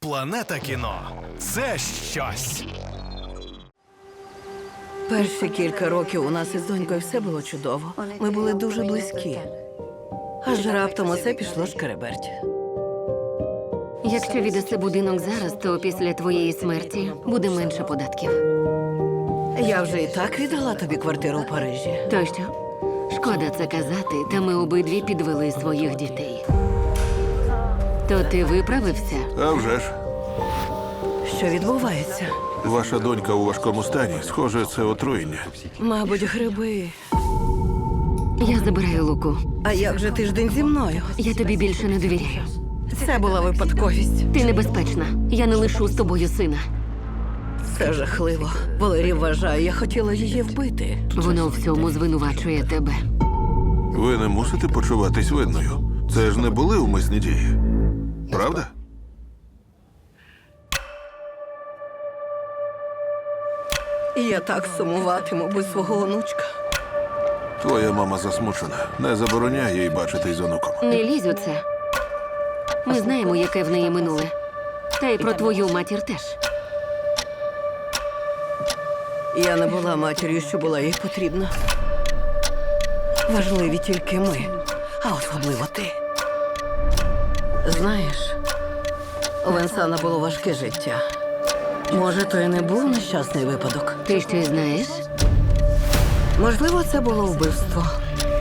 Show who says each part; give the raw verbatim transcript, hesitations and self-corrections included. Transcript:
Speaker 1: Планета кіно – це щось.
Speaker 2: Перші кілька років у нас із донькою все було чудово. Ми були дуже близькі. Аж раптом усе пішло шкереберть.
Speaker 3: Якщо віддаси будинок зараз, то після твоєї смерті буде менше податків.
Speaker 2: Я вже і так віддала тобі квартиру в Парижі.
Speaker 3: То що? Шкода це казати, та ми обидві підвели своїх дітей. То ти виправився?
Speaker 4: А вже ж.
Speaker 2: Що відбувається?
Speaker 4: Ваша донька у важкому стані. Схоже, це отруєння.
Speaker 2: Мабуть, гриби.
Speaker 3: Я забираю Луку.
Speaker 2: А як же тиждень зі мною?
Speaker 3: Я тобі більше не довіряю.
Speaker 2: Це була випадковість.
Speaker 3: Ти небезпечна. Я не лишу з тобою сина.
Speaker 2: Це жахливо. Валерій вважає, я хотіла її вбити.
Speaker 3: Воно в цьому звинувачує тебе.
Speaker 4: Ви не мусите почуватись винною. Це ж не були умисні дії. Правда?
Speaker 2: І я так сумуватиму без свого онучка.
Speaker 4: Твоя мама засмучена. Не забороняй їй бачитись з онуком.
Speaker 3: Не лізь у це. Ми знаємо, яке в неї минуле. Та й про твою матір теж.
Speaker 2: Я не була матір'ю, що була їй потрібна. Важливі тільки ми, а особливо ти. Знаєш, у Венсана було важке життя. Може, то і не був нещасний випадок.
Speaker 3: Ти щось знаєш?
Speaker 2: Можливо, це було вбивство.